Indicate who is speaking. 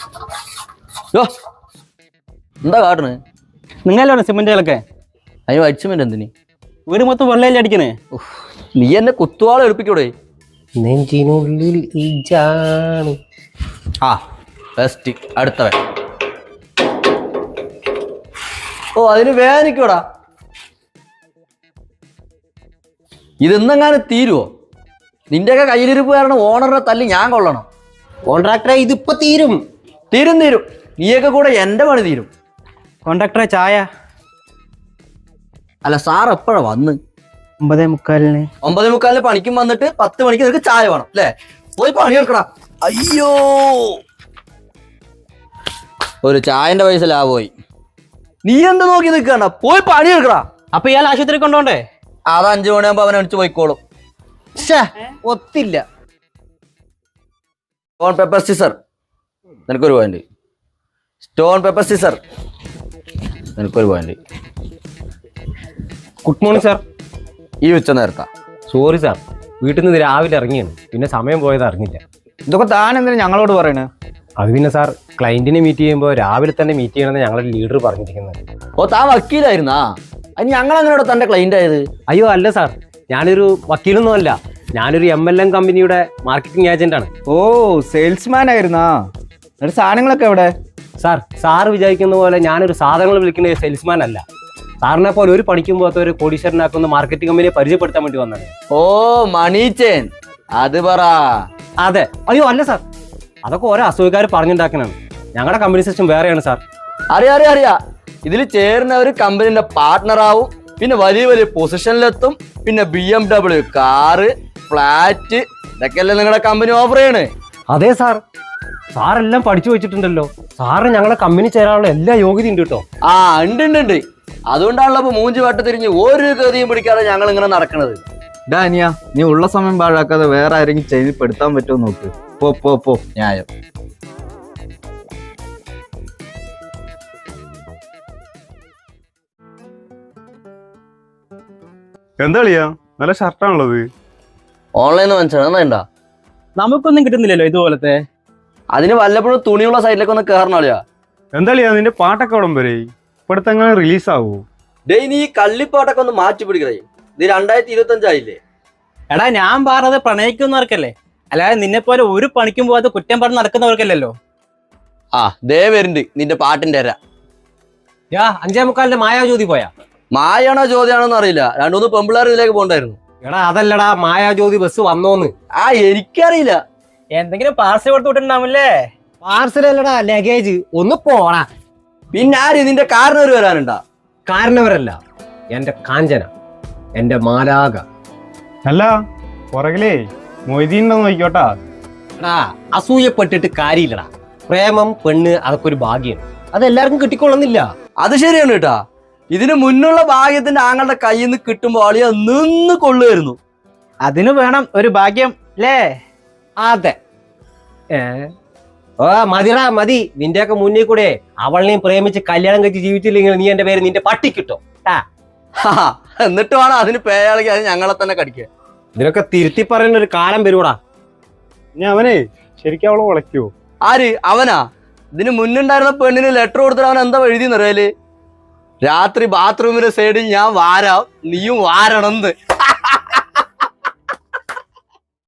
Speaker 1: എന്താ കാട്ടണ്?
Speaker 2: നിങ്ങളാണ് സിമെന്റുകളൊക്കെ
Speaker 1: അതിന് വൈറ്റ് സിമെന്റ് എന്തിന്?
Speaker 2: വീട് മൊത്തം വെള്ളയിൽ അടിക്കണേ.
Speaker 1: നീ എന്നെ കുത്തുവാള എടുപ്പിക്കൂടെ?
Speaker 3: നെഞ്ചിനുള്ളിൽ ഈജാണ്.
Speaker 1: ആ ബെസ്റ്റ്. അടുത്തവൻ. ഓ അതിന് വേദനിക്കൂടാ. ഇതെന്നെങ്ങാനും തീരുവോ? നിന്റെയൊക്കെ കയ്യിലിരിപ്പ് കാരണം ഓണറിനെ തല്ലി ഞാൻ കൊള്ളണം.
Speaker 3: കോൺട്രാക്ടറെ ഇതിപ്പോ തീരും.
Speaker 1: തീരും. നീയൊക്കെ കൂടെ എന്റെ പണി തീരും.
Speaker 2: കോൺട്രാക്ടറെ ചായ.
Speaker 1: അല്ല സാർ എപ്പോഴാ വന്ന്?
Speaker 2: 9:45.
Speaker 1: 9:45 പണിക്കും വന്നിട്ട് 10 മണിക്ക് നിനക്ക് ചായ വേണം അല്ലേ? പോയി പണിയെടുക്കടാ. അയ്യോ, ഒരു ചായന്റെ പൈസ ലാഭമായി. നീ എന്താ നോക്കി നിൽക്കണ്ട, പോയി പണിയെടുക്കടാ.
Speaker 2: അപ്പൊ ഇയാൾ ആശുപത്രി കൊണ്ടോണ്ടേ?
Speaker 1: അത് 5 മണിയാകുമ്പോ അവൻ അടിച്ചു പോയിക്കോളും.
Speaker 3: ഒത്തില്ല.
Speaker 1: സ്റ്റോൺ പേപ്പർ സിസർ നിനക്കൊരു പോയിന്റ്. സ്റ്റോൺ പേപ്പർ സിസർ നിനക്കൊരു പോയിന്റ്.
Speaker 3: Good morning sir.
Speaker 1: ഈ ഉച്ച നേരത്താ?
Speaker 3: സോറി സാർ, വീട്ടിൽ നിന്ന് രാവിലെ ഇറങ്ങിയാണ്, പിന്നെ സമയം പോയത് അറിഞ്ഞില്ല.
Speaker 2: ഇതൊക്കെ താൻ എന്തിനാ ഞങ്ങളോട് പറയണേ?
Speaker 3: അത് പിന്നെ സാർ, ക്ലയന്റിനെ മീറ്റ് ചെയ്യുമ്പോൾ രാവിലെ തന്നെ മീറ്റ് ചെയ്യണമെന്ന് ഞങ്ങളുടെ ലീഡർ പറഞ്ഞിരിക്കുന്നത്.
Speaker 1: ഓ താൻ വക്കീലായിരുന്നാ? അത് ഞങ്ങൾ അങ്ങനെയോടെ തന്റെ ക്ലൈന്റ് ആയത്?
Speaker 3: അയ്യോ അല്ല സാർ, ഞാനൊരു വക്കീലൊന്നും അല്ല, ഞാനൊരു MLM കമ്പനിയുടെ മാർക്കറ്റിംഗ് ഏജന്റ് ആണ്.
Speaker 2: ഓ സെയിൽസ്മാൻ ആയിരുന്നാ? എന്നിട്ട് സാധനങ്ങളൊക്കെ എവിടെ?
Speaker 3: സാർ വിചാരിക്കുന്ന പോലെ ഞാനൊരു സാധനങ്ങൾ വിളിക്കുന്ന സെയിൽസ്മാൻ അല്ല. സാറിനെ പോലെ ഒരു പണിക്കും പോകാത്ത ഒരു കോടീശ്വരനാക്കുന്ന മാർക്കറ്റിംഗ് കമ്പനിയെ പരിചയപ്പെടുത്താൻ വേണ്ടി വന്നത്.
Speaker 1: ഓ മണി ചെയിൻ, അത് പറ.
Speaker 3: അതെ. അയ്യോ അല്ല സാർ, അതൊക്കെ ഓരോ അസുഖക്കാർ പറഞ്ഞുണ്ടാക്കണാണ്. ഞങ്ങളുടെ കമ്പനി സിസ്റ്റം വേറെയാണ് സാർ.
Speaker 1: അറിയാ ഇതിൽ ചേരുന്നവര് കമ്പനിന്റെ പാർട്ട്ണറാവും, പിന്നെ വലിയ വലിയ പൊസിഷനിലെത്തും, പിന്നെ BMW കാറ്, ഫ്ലാറ്റ്, ഇതൊക്കെയല്ലേ നിങ്ങളുടെ കമ്പനി ഓഫർ ചെയ്യണേ?
Speaker 3: അതെ സാർ, സാറെല്ലാം പഠിച്ചു വെച്ചിട്ടുണ്ടല്ലോ. സാറിന് ഞങ്ങളുടെ കമ്പനി ചേരാനുള്ള എല്ലാ യോഗ്യത ഉണ്ട് കേട്ടോ.
Speaker 1: ആ ഉണ്ട്. അതുകൊണ്ടാണല്ലോ ഇപ്പൊ മൂഞ്ചി വട്ട തിരിഞ്ഞ് ഒരു ഗതിയും പിടിക്കാതെ ഞങ്ങൾ ഇങ്ങനെ നടക്കണത്.
Speaker 2: ഡാനിയ, നീ ഉള്ള സമയം പാഴാക്കാതെ വേറെ ആരെങ്കിലും ചെയ്ത് പെടുത്താൻ പറ്റുമോ നോക്ക്. പോ.
Speaker 1: ന്യായം.
Speaker 4: എന്താ കളിയാ, നല്ല ഷർട്ടാണുള്ളത്.
Speaker 1: ഓൺലൈനിൽ മനസ്സിലാ?
Speaker 2: നമുക്കൊന്നും കിട്ടുന്നില്ലല്ലോ ഇതുപോലത്തെ.
Speaker 1: അതിന് വല്ലപ്പോഴും തുണിയുള്ള സൈഡിലേക്ക് ഒന്ന് കയറണോളിയാ.
Speaker 4: എന്താ കളിയാ, നിന്റെ പാട്ടൊക്കെ ഉടം വരെ ഇപ്പഴത്തെ എങ്ങനെ റിലീസ് ആവൂ?
Speaker 1: ഡേ നീ ഈ കള്ളിപ്പാട്ടൊക്കെ ഒന്ന് മാറ്റി പിടിക്കണേ. ഇത് 2025 ആയില്ലേ?
Speaker 2: എടാ ഞാൻ പറഞ്ഞത് പ്രണയിക്കുന്നവർക്കല്ലേ, അല്ലാതെ നിന്നെ പോലെ ഒരു പണിക്കും പോകാതെ കുറ്റം പറഞ്ഞ് നടക്കുന്നവർക്കല്ലല്ലോ.
Speaker 1: ആ ദേ വരുന്നുണ്ട് നിന്റെ പാട്ടിന്റെ അര.
Speaker 3: 5:45 മായാജ്യോതി പോയാ?
Speaker 1: മായാണോ ചോദ്യമാണോന്ന് അറിയില്ല. 2-3 പെമ്പിള്ളേർ ഇതിലേക്ക് പോണ്ടായിരുന്നു.
Speaker 3: എടാ അതല്ലടാ, മായാജ്യോതി ബസ് വന്നോന്ന്.
Speaker 1: ആ എനിക്കറിയില്ല.
Speaker 2: എന്തെങ്കിലും പാർസൽ കൊടുത്തു വിട്ടിട്ടുണ്ടാവില്ലേ?
Speaker 3: പാർസൽ അല്ലടാ, ലഗേജ്. ഒന്ന് പോടാ.
Speaker 1: പിന്നെ ആര് നിന്റെ കാരണവര് വരാനുണ്ടാ?
Speaker 3: കാരണവരല്ല, എന്റെ കാഞ്ചന, എന്റെ മാലാക.
Speaker 4: അല്ല പുറകിലേ മൊയ്തീനുണ്ടോ നോക്കിക്കോട്ടാ.
Speaker 3: എടാ അസൂയപ്പെട്ടിട്ട് കാര്യമില്ലടാ. പ്രേമം, പെണ്ണ്, അതൊക്കെ ഒരു ഭാഗ്യം. അതെല്ലാവർക്കും കിട്ടിക്കൊള്ളുന്നില്ല.
Speaker 1: അത് ശരിയാണ് കേട്ടാ. ഇതിന് മുന്നുള്ള ഭാഗ്യത്തിന്റെ ആങ്ങളുടെ കയ്യിൽ നിന്ന് കിട്ടുമ്പോ അളിയ നിന്ന് കൊള്ളുമായിരുന്നു.
Speaker 2: അതിന് വേണം ഒരു ഭാഗ്യം അല്ലേ?
Speaker 3: അതെ. ഓ മതിടാ മതി. നിന്റെയൊക്കെ മുന്നിൽ കൂടെ അവളിനെയും പ്രേമിച്ച് കല്യാണം കഴിച്ച് ജീവിച്ചില്ലെങ്കിൽ നീ എന്റെ പേര് നിന്റെ പട്ടിക്കിട്ടോ.
Speaker 1: എന്നിട്ട് വേണം അതിന് പേയാളെങ്കിൽ അത് ഞങ്ങളെ തന്നെ കടിക്കുക.
Speaker 3: ഇതിനൊക്കെ തിരുത്തി പറയുന്ന ഒരു കാലം വരുവാടാ.
Speaker 4: ഇനി അവനെ ശരിക്കും അവളെ വിളയ്ക്കുവോ?
Speaker 1: ആര്? അവനാ? ഇതിന് മുന്നുണ്ടായിരുന്ന പെണ്ണിന് ലെറ്റർ കൊടുത്തിട്ട് അവൻ എന്താ എഴുതി നിറയല്? രാത്രി ബാത്റൂമിന്റെ സൈഡിൽ ഞാൻ വാരാം, നീയും വാരണമെന്ന്.